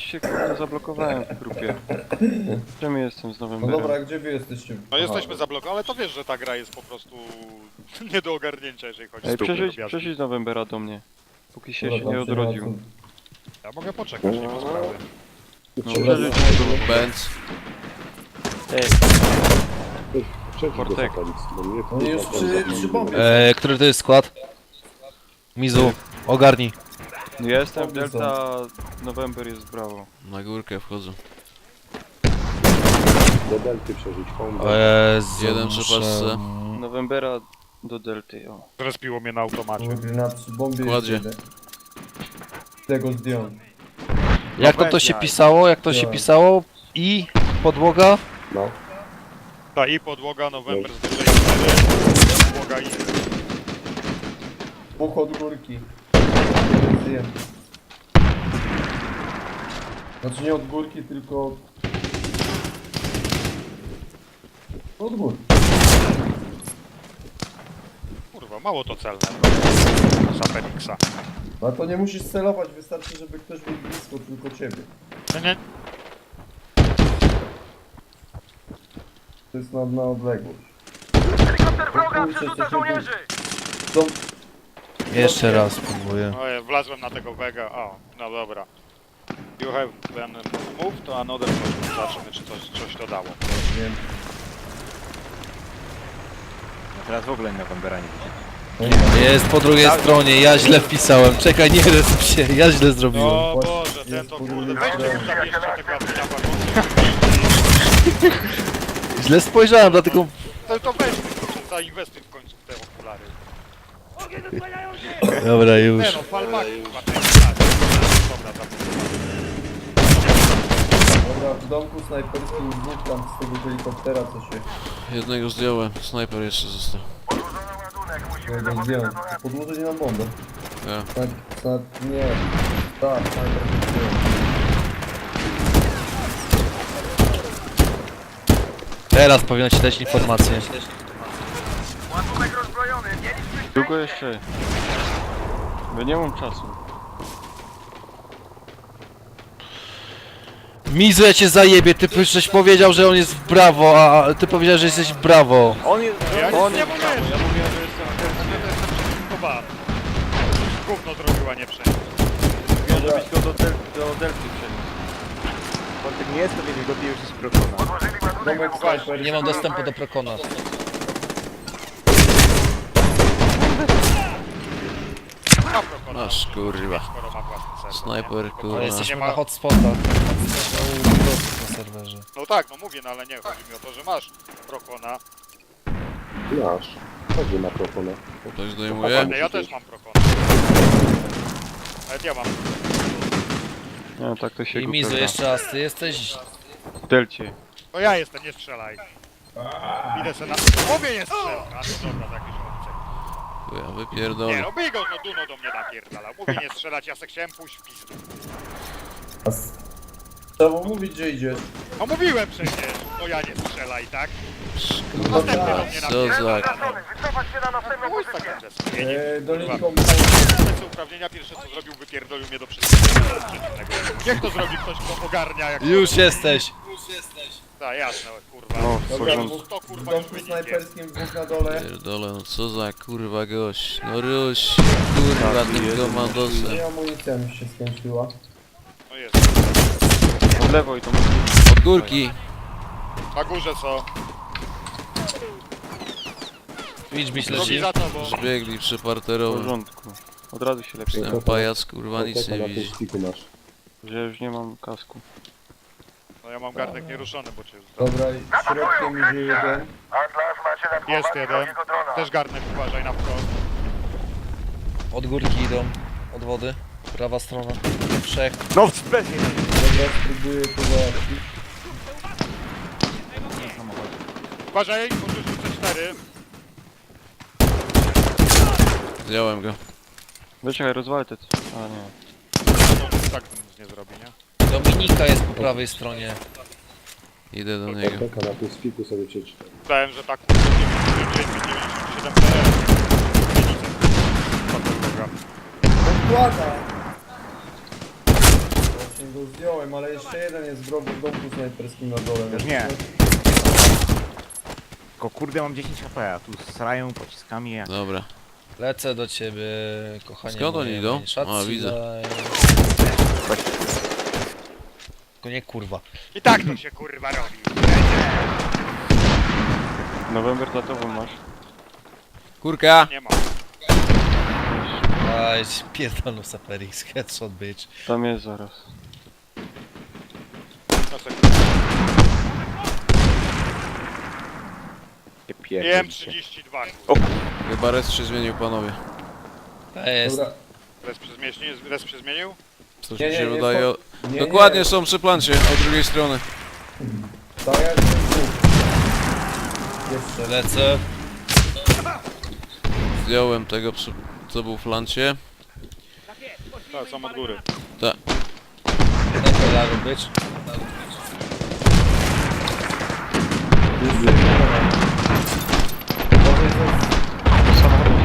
się kurde zablokowałem w grupie. Czemu jestem z nowym No berem? dobra, a gdzie wy jesteście? No jesteśmy zablokowani, ale to wiesz, że ta gra jest po prostu nie do ogarnięcia, jeżeli chodzi Ej, o stupnie przejdź z nowym bera do mnie. Póki się Dobra, nie tam odrodził. Ja mogę poczekać, nie ma sprawy. No przeżyć Benz. Portek. Oni już przy bombie. Który to jest skład? Mizu, ogarnij. Ja jestem w Delta, November jest brawo. Na górkę wchodzę. Do delty przeżyć, home. O Jezu, Jeden muszę- przypasce. Novembera do Delty, o. Zrespiło mnie na automacie. Na przy bombie Kładzie. jest jeden. Tego zdjąć. Jak to się pisało? Jak to się pisało? I podłoga? No. Ta i podłoga, November z wyżej 4, podłoga i... Dwóch od górki. Zdjęty. Znaczy nie od górki, tylko... Od górki. Kurwa, mało to celne. Za Fenixa. No a to nie musisz celować, wystarczy, żeby ktoś był blisko tylko ciebie. Nie, To jest na odległość. Helikopter wroga, Kurczę, przerzuca coś mi tu- żołnierzy! Są... Jeszcze raz spróbuję. Ojej, wlazłem na tego Vega. O, no dobra. You have been moved to another point. Zobaczymy, czy coś to dało. Nie wiem. Teraz w ogóle Novembera nie widzę. Jest po drugiej stronie, ja źle wpisałem. Czekaj, nie resp się, ja źle zrobiłem. O Właśnie Boże, ten jest to podwójny kurde, weźcie brak. mu zabierzcie tego apteka. Źle spojrzałem, dlatego... To weź, zainwestuj w końcu w te okulary. Dobra, już. Nie no, falbaki chyba ten tak. Dobra, Dobra, w domku snajperskim dwóch tam z tego helikoptera, co się... Jednego zdjąłem, snajper jeszcze został. Tego zdjąłem. Podłożyli na bombę. Ja. Nie. Tak, snajper się zdjął. Teraz powinno ci dać informację. Ładunek rozbrojony, mieliśmy Długo jeszcze? Bo nie mam czasu. Mizu, ja cię zajebie, ty żeś powiedział, że on jest w brawo, a ty powiedziałeś, że jesteś w brawo. On jest... Ja on nic nie jest mówiłem, brawo, ja mówiłem, że jestem przeciwko. Gówno zrobiła, nie przejdzie. Mówiłem, żebyś go do Delty przeniósł. Portek nie jest, to wiedzieć go, ty już jest prokona. Domek snajper. Nie mam dostępu do Prokona. Ma prokona. Masz, kurwa. Skoro ma własny serwer. Snajper, nie? kurwa. Ale Nie jesteśmy ma- na hotspotach. Na serwerze. No tak, no mówię, no ale nie, chodzi mi o to, że masz prokona. Nasz. Chodzi na proponę. Ktoś zdejmuje? Ja też mam prokona. Nawet ja mam. Nie, tak to się I go Mizu, pewna. jeszcze raz, ty jesteś... W Delcie. No ja jestem, nie strzelaj. Idę se na... Mówię, nie strzelaj. A no dobra, tak już opcję. Ja Nie, wypierdolę. no bij go, no Duno do mnie napierdala. Mówię nie strzelać, ja se chciałem pójść w pizdu. Trzeba mówić, gdzie idziesz. No mówiłem przecież, no ja nie strzelaj, tak? Następny do mnie Co napierdala. za... wycofać się na następną Chuj z pozycję. takim zestawieniem. Dolinką... Te uprawnienia pierwsze co zrobił, wypierdolił mnie do przeciwnego. Niech to zrobi ktoś, kto ogarnia jak... Już jesteś. Tak, jasne, kurwa. No, w Dobra, porządku. To w kurwa już domku wyniknie. snajperskim dwóch na dole. Pierdolę, no co za kurwa gość. No Ruś, kurwa tym komandosem. Nie, amunicja mi się skończyła. No jest. Od lewo i to Od górki. Na górze co? Widź mi Drogi leci. za tobą. Zbiegli w przeparterowo. porządku. Od razu się lepiej. Ten pajac kurwa nic Porteka nie na tym widzi. stiku masz. Że już nie mam kasku. No ja mam gardek nieruszony, bo cię... Dobra, i środkiem idzie jeden. Atlas macie na Jest jeden. Też garnek uważaj na wprost. Od górki idą. Od wody. Prawa strona. Trzech. No w spesie! Dobra, spróbuję to załatwić. Uważaj, możesz rzucić 4. Zdjąłem go. Wyczekaj, rozwalę te... A nie. No, tak nic nie zrobi, nie? Dominika jest po prawej stronie. Idę do niego. Porteka na tym stiku sobie przeczytaj. Myślałem, że tak 97 PL. Odkłada! właśnie go zdjąłem, ale jeszcze jeden jest w domku snajperskim na dole. Już nie. Tylko kurde mam 10 HP, a tu srają pociskami jak... Dobra. Lecę do ciebie, kochanie. Skąd oni moje, idą? moje szacji, A, widzę. Tylko nie kurwa. I tak to się kurwa robi. November za tobą masz. Kurka! Nie ma. Aj, pierdolą Saperix, headshot bitch. Tam jest zaraz. No sekundę. Nie pierdolę. IM-32. Chyba res się zmienił, panowie. To jest. Dobra. Res się zmienił? Coś Nie, mi nie, się nie, wydaje. nie, Dokładnie nie. są przy plancie, od drugiej strony. Tak jak jest dwóch. Jeszcze. Lecę. Zdjąłem tego, co był w plancie. Tak, są od góry. Dobra, bitch. Jeszcze jeden. Może coś...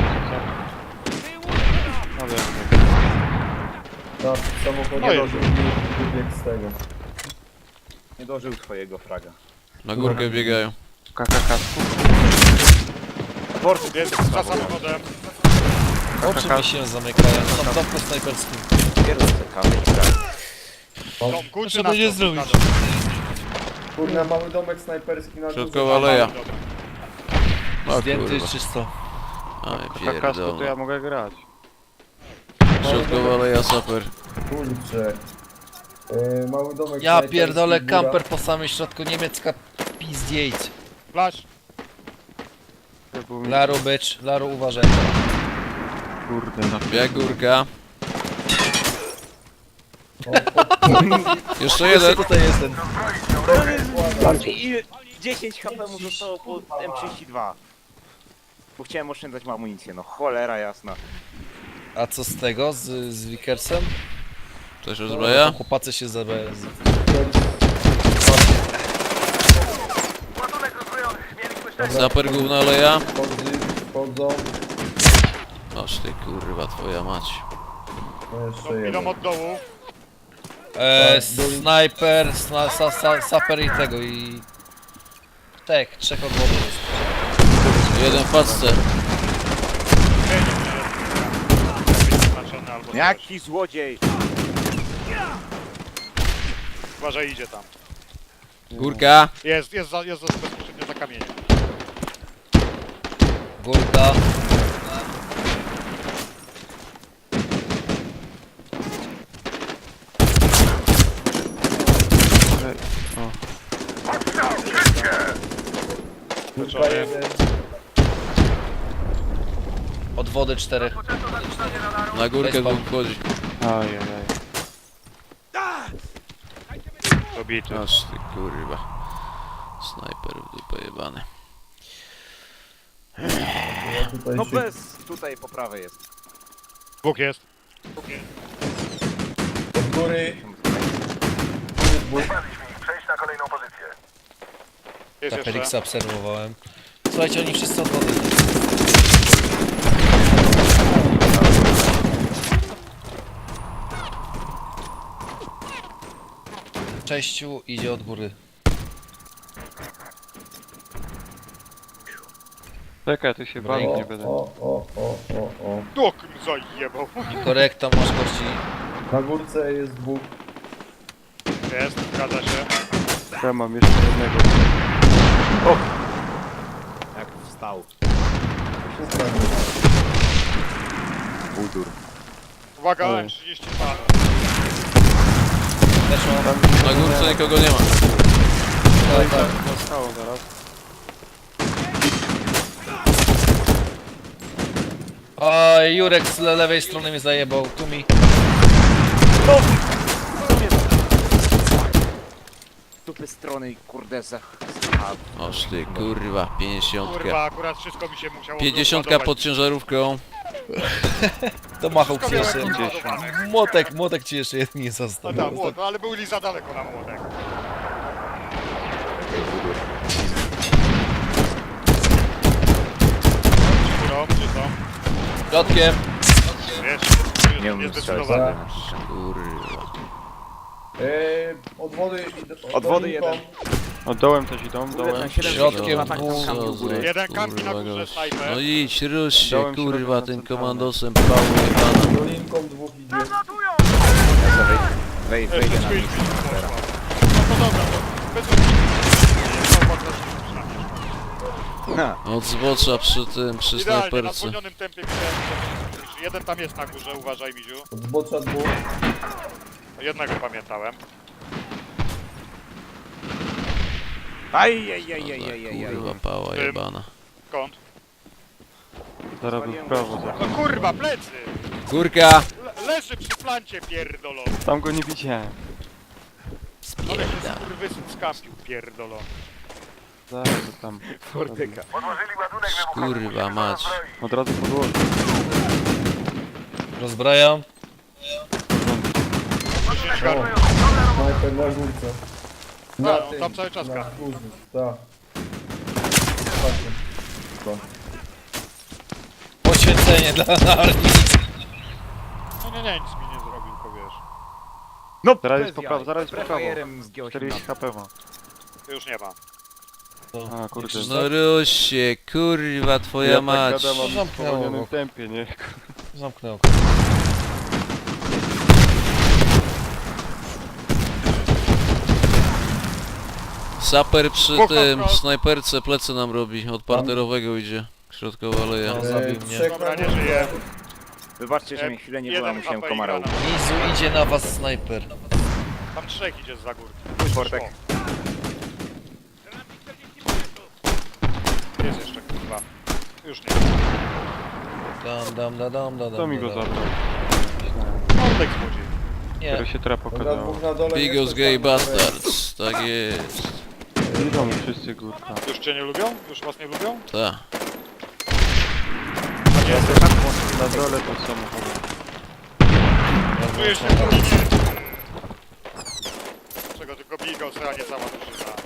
No wiem. Tak, samochód No i- wybiegł z tego. Nie dożył twojego fraga. Na górkę biegają. KKK. Jest za samochodem. Oczy mi się zamykają, tam domku snajperskim. Pierdolę kamień, Domku czy Trzeba na będzie to? zrobić. Na dole. Kurde, mały domek snajperski na górze. Środkowa aleja. O Zdjęty kurwa. czysto. Aj KKK to ja pierdolę. mogę grać. Środkowa aleja, saper. Kurczę. Mały domek Ja snajperski, pierdolę, góra. kamper po samym środku, niemiecka pizdziejc. Flash. To był mi... Laru bitch, Laru uważaj. Kurde, na Bieg górka. O, Jeszcze jeden. Tutaj jest ten. I 10 HP mu zostało po M32. Bo chciałem oszczędzać mu amunicję, no cholera jasna. A co z tego, z Wickersem? Coś rozbraja? Chłopacy się zabrają. Ładunek rozbrojony. Mieliśmy szczęście. Saper główna aleja. Wchodzą. Oż ty kurwa, twoja mać. Jeszcze Idą jeden. od dołu. Snajper, saper i tego i... Tak, trzech od wody jest. Jeden w paczce. Zaznaczony albo coś. Jaki złodziej! Uważaj, idzie tam. Górka. Jest bezpośrednio za kamieniem. Górka. Kurwa, jeden. Od wody 4. Na górkę dwóch wchodzi. Ajajaj. Dobity. Aż ty kurwa. Snajper w dupę jebany. Ja tutaj No się... bez, tutaj po prawej jest. Dwóch jest. Od góry. Przejść na kolejną pozycję. Jest Felixa jeszcze. obserwowałem. Słuchajcie, oni wszyscy od wody. Sześciu idzie od góry. Czekaj, tu się bawić O, nie będę. o. Dok zajebał. I korekta masz gości. Na górce jest dwóch. Jest, zgadza się. Ja mam jeszcze jednego. Jak wstał. Wszystko na górze. Budur. Uwaga, Oj. M32. Też mam. Na górce nikogo nie ma. Tak, tak. Zostało zaraz. O, Jurek z lewej strony mnie zajebał. Tu mi. Dupy strony i kurde Oż ty kurwa, 50. Kurwa, akurat wszystko mi się musiało 50 rozładować. pod ciężarówką. To machał ci Wszystko jeszcze. miałem rozładowane. Młotek ci jeszcze jeden nie No został. tak, młot, no ale byli za daleko na młotek. Górą, czy co? Środkiem. Wiesz, Nie jest umiem niezdecydowane. Kurwa. Od wody Od wody jeden. O, dołem też idą, dołem. Środkiem tak tam dwóch. kampił góry. Jeden kampi na Kurwa górze, gość. snajper. No idź, rusz się, Dałem kurwa, środek na tym centralne. komandosem pału jebana. dolinką dwóch idzie. Wejdę Jeszcze na Twitch nich. poszła. No to dobra, to bez Od zbocza przy tym, przy Idealnie, na snajperce. zwolnionym tempie widziałem. Jeden tam jest na górze, uważaj Miziu. Od zbocza dwóch. Jednego pamiętałem. Kurwa, pała jebana. Skąd? Zaraz był w prawo. No kurwa, plecy! Górka! Leży przy plancie pierdolony. Tam go nie widziałem. Ale się skurwysyn skampił pierdolony. Zaraz to tam. Fortyka. Odłożyli ładunek wybuchowy. Kurwa mać. Od razu podłożę. Rozbrajam. 10 garb. Snajper na górce. A, on tam cały czas na gra. górze, tak. Patrzę. Poświęcenie dla armii. No nie, nic mi nie zrobił, tylko wiesz. No, Zaraz bez jest po jaj. prawo, zaraz jest po prawo. Prefajerem zgiął się 40 HP ma. Już nie ma. A kurde. No rusz się, kurwa, twoja mać. tak gadam, mam w Zamknęło spowolnionym go. tempie, nie? Zamknę oko. Saper przy Dwóch tym, na wprost. snajperce plecy nam robi. Od parterowego idzie. Środkowa aleja. No, zabił mnie. Trzech Dobra, na nie górce. żyje. Wybaczcie, że mi chwilę nie było, Jeden musiałem HP i komara granat. ubić. Mizu idzie na was snajper. Tam trzech idzie za górki. Fortek. Jest jeszcze kurwa. Już nie. Kto mi go zabrał? Fortek złodziej. Nie. Który się teraz Dobra, pokazało. dwóch na dole. Bigos jeszcze gay tam na bastards. Tak jest. Idą wszyscy górka. Już cię nie lubią? Już was nie lubią? Ta. A nie, Na dole to samochód. czujesz się w dominie. Czego tylko Bigos, a nie cała drużyna.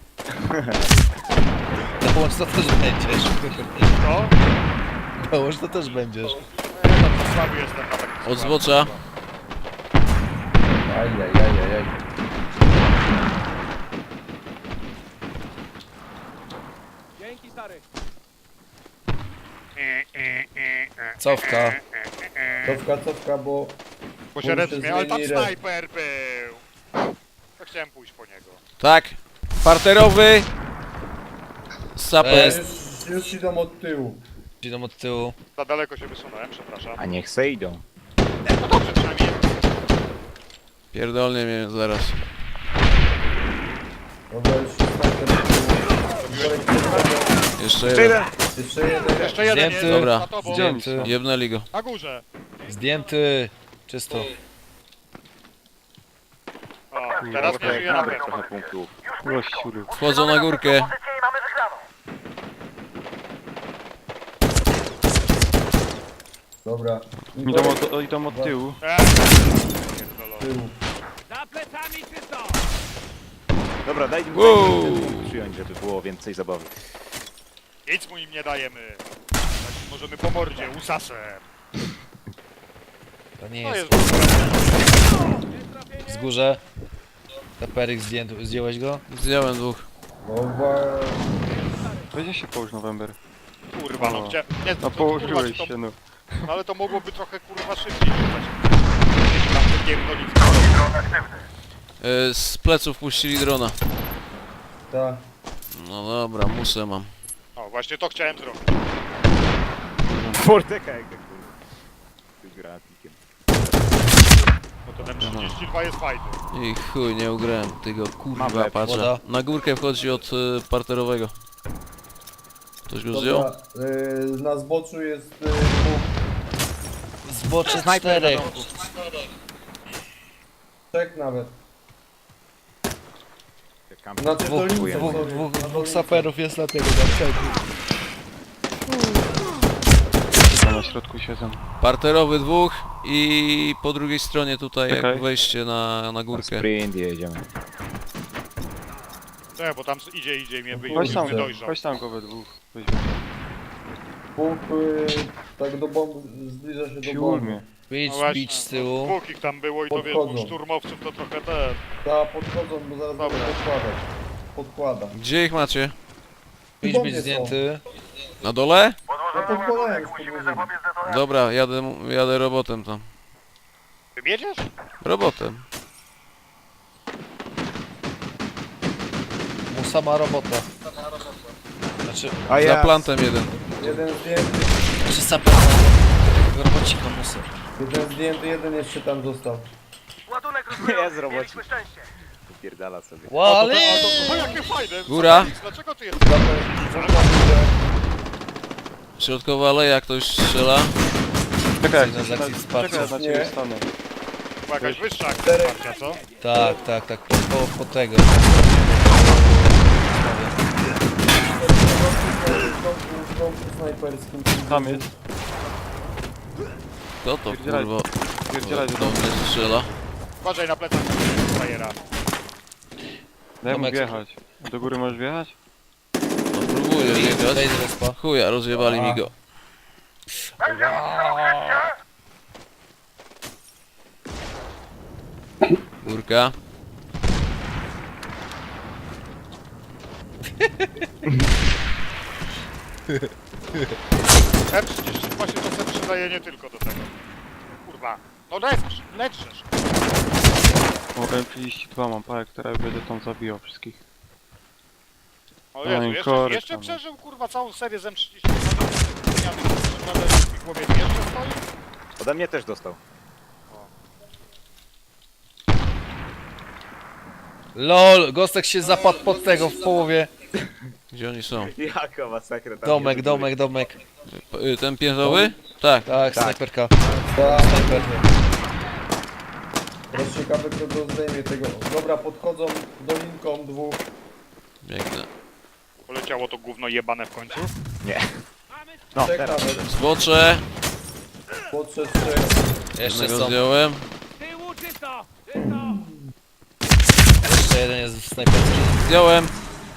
Dołącz to też będziesz. Co? Dołącz to też będziesz. Ja tam słaby jestem na takim Od składzie. zbocza. Ajajajajaj. Cofka. Cofka, bo... Bo się resmie, ale tam zmieni res. snajper był. To chciałem pójść po niego. Tak. Parterowy. Saper. Już idą od tyłu. Idą od tyłu. Za daleko się wysunąłem, przepraszam. A niech se idą. No dobrze, przynajmniej. Pierdolnie mnie zaraz. Dobra, już snajper od tyłu. Jeszcze Jeszcze jeden. jeden. Jeszcze jeden. Jeszcze jeden Zdjęty. jest Dobra. za tobą. Zdjęty. Jebnęli go. Na górze. Zdjęty. Czysto. O, teraz nie żyje na pewno. Trochę punktów. Gościury. Wchodzą na górkę. Pozycję i mamy wygraną. Dobra. Idą od tyłu. Pierdolony. Tyłu. Dobra, daj mi Wow. przyjąć, żeby było więcej zabawy. Nic mu im nie dajemy. Tak możemy po mordzie, usasem. To nie To jest. jest Wzgórze. Teperyk zdjąłeś go? Zdjąłem dwóch. Dobra. Będzie się połóż November. kurwa, no gdzie... Nie, No to, położyłeś kurwa, się, no. No ale to mogłoby trochę kurwa szybciej rzucać. Tam te pierdolice. Dron aktywny. Z pleców puścili drona. Tak. No dobra, musę mam. O, właśnie to chciałem zrobić. Forteka jak tak było. Ty gratikiem. Bo ten M32 jest fajny. I chuj, nie ugrałem tego kurwa Mamy patrza. woda. Na górkę wchodzi od parterowego. Ktoś go zdjął? Dobra. Na zboczu jest dwóch. Zbocze Snajper na czterech. domku. Trzech nawet. Kampi. Znaczy Dwóch, dolince, dwóch, sorry. dwóch, Na dwóch dolince. saperów jest na tego, na przejściu. Tam na środku siedzą. Parterowy dwóch i po drugiej stronie tutaj Czekaj. jak wejście na górkę. Sprint jedziemy. Nie, bo tam idzie i mnie Chodź tam, nie dojrzał. chodź tam go we dwóch. Dwóch tak do bomby, zbliża się do Ciul bomby. mnie. Bić, No właśnie, bić z tyłu. Dwóch ich tam było i to wiesz, Podchodzą. szturmowców to trochę te... Ta podchodzą, bo zaraz Dobra. będę podkładać. Podkłada. Gdzie ich macie? Bić, Bomby być są. zdjęty. Na dole? No Podłożenie podkładałem już musimy podłożenie. zapobiec detonacji. Dobra, jadę robotem tam. Wybiedziesz? Robotem. Mu sama robota. Znaczy, A Za plantem jeden. Jeden zdjęty, znaczy saper na robocika muszę. jeden jeszcze tam został. Ładunek Ja z rozbrojowy, roboci. mieliśmy szczęście. Pierdala sobie. Łale! O, jakie fajne! Góra. Dlaczego ty jest? Środkowa aleja, ktoś strzela. Czekaj, Jeden z akcji wsparcia. czekaj, na ciebie Nie. stanę. Chyba jakaś wyższa akcja wsparcia, co? Tak, po tego. W domku snajperskim. Tam jest. Kto to Pierdzielaj. kurwa Pierdzielaj do mnie strzela? Uważaj na plecach frajera. Daj mu Tomek, wjechać. Do góry możesz wjechać? No próbuję biegać. Daj z respa. Chuja, rozjebali mi go. Górka. M30 właśnie to sobie przydaje nie tylko do tego. Kurwa. No leczysz. O, M32 mam parę, która będzie tam zabijał wszystkich. O No Jezu, i jeszcze, korek jeszcze tam. przeżył kurwa całą serię z M30. W głowie jeszcze stoi? Ode mnie też dostał. LOL, Gostek się zapadł pod tego w połowie. Gdzie oni są? Jaka masakra tam Domek, jest. domek. Ten piętrowy? Tak. Tak, snajperka. Tak, Snajper. teraz ciekawe kto go zdejmie tego. Dobra, podchodzą dolinką dwóch. Biegnę. Poleciało to gówno jebane w końcu. No, Trzech teraz. nawet. Zbocze. Podszedł trzech. Jeszcze Jednego są. zdjąłem. Jeszcze jeden jest w snajperce. Zdjąłem.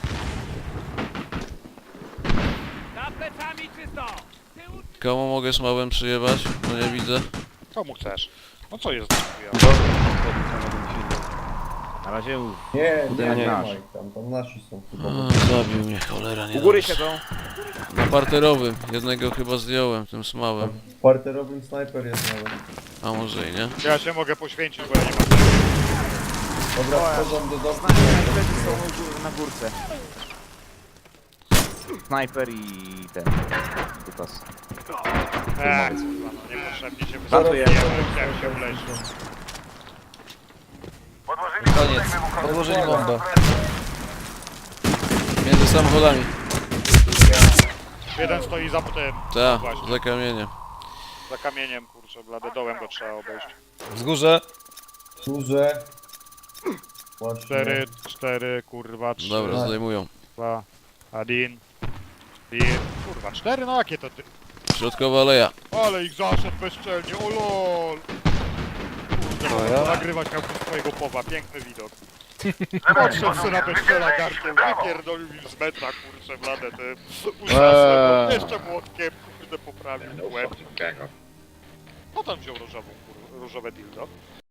Komu mogę smałem przyjebać? No nie widzę. Komu chcesz? No co jest? Na razie Nie, nie. ma ich tam nasi są chyba. Zabił mnie, cholera, nie u góry dobrze. siedzą. Na parterowym. Jednego chyba zdjąłem, tym smałem. W parterowym snajper jest nawet. A może i nie? Ja się mogę poświęcić, bo ja nie mam. Dobra, wchodzą do domku. Snajperzy są na górce. Snajper i ten. Typas. Kurwa, no niepotrzebnie się Żartuję. Chciałem się wleźć. Podłożyli Koniec. ładunek wybuchowy. Podłożyli bombę. Między samochodami. Jeden stoi za tym, Tak, Właśnie. za kamieniem. za kamieniem, kurczę, blady dołem go trzeba obejść. Wzgórze. Duże. Właśnie. 4, kurwa, 3, Dobra, Tak. zdejmują. 2, 1, 1, kurwa, 4, no jakie to ty? Środkowa aleja. Ale ich zaszedł bezczelnie, o lol! Kurde, mogę to nagrywać miał swojego powa, piękny widok. Podszedł sobie na bezczela garkiem, wypierdolił im z metra, kurczę, bladę, ty. Uszasłem, jeszcze młotkiem, kurde, poprawił łeb. No tam wziął różową, różowe dildo.